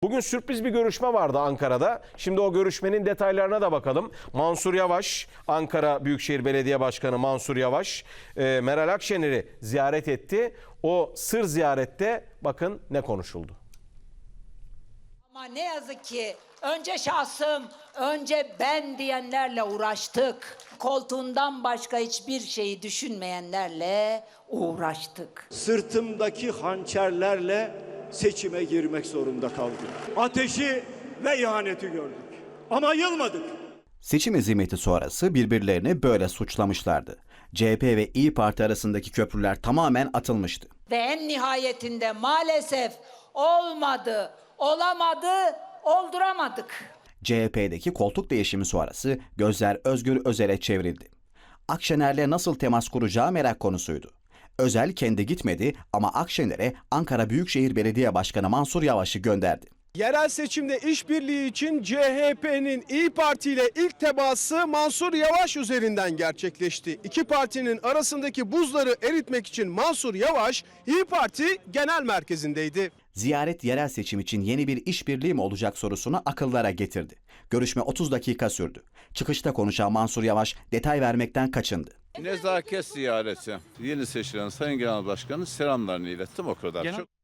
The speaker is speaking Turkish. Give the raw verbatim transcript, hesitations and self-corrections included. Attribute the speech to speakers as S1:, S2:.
S1: Bugün sürpriz bir görüşme vardı Ankara'da. Şimdi o görüşmenin detaylarına da bakalım. Mansur Yavaş, Ankara Büyükşehir Belediye Başkanı Mansur Yavaş, e, Meral Akşener'i ziyaret etti. O sır ziyarette bakın ne konuşuldu.
S2: Ama ne yazık ki önce şahsım, önce ben diyenlerle uğraştık. Koltuğundan başka hiçbir şeyi düşünmeyenlerle uğraştık.
S3: Sırtımdaki hançerlerle seçime girmek zorunda kaldım. Ateşi ve ihaneti gördük. Ama yılmadık.
S4: Seçim hezimeti sonrası birbirlerini böyle suçlamışlardı. C H P ve İYİ Parti arasındaki köprüler tamamen atılmıştı.
S2: Ve en nihayetinde maalesef olmadı, olamadı, olduramadık.
S4: C H P'deki koltuk değişimi sonrası gözler Özgür Özel'e çevrildi. Akşener'le nasıl temas kuracağı merak konusuydu. Özel kendi gitmedi ama Akşener'e Ankara Büyükşehir Belediye Başkanı Mansur Yavaş'ı gönderdi.
S5: Yerel seçimde işbirliği için C H P'nin İYİ Parti ile ilk teması Mansur Yavaş üzerinden gerçekleşti. İki partinin arasındaki buzları eritmek için Mansur Yavaş İYİ Parti Genel Merkezi'ndeydi.
S4: Ziyaret yerel seçim için yeni bir işbirliği mi olacak sorusunu akıllara getirdi. Görüşme otuz dakika sürdü. Çıkışta konuşan Mansur Yavaş detay vermekten kaçındı.
S6: Nezaket ziyareti. Yeni seçilen Sayın Genel Başkan'ın selamlarını ilettim, o kadar. Genel... Çok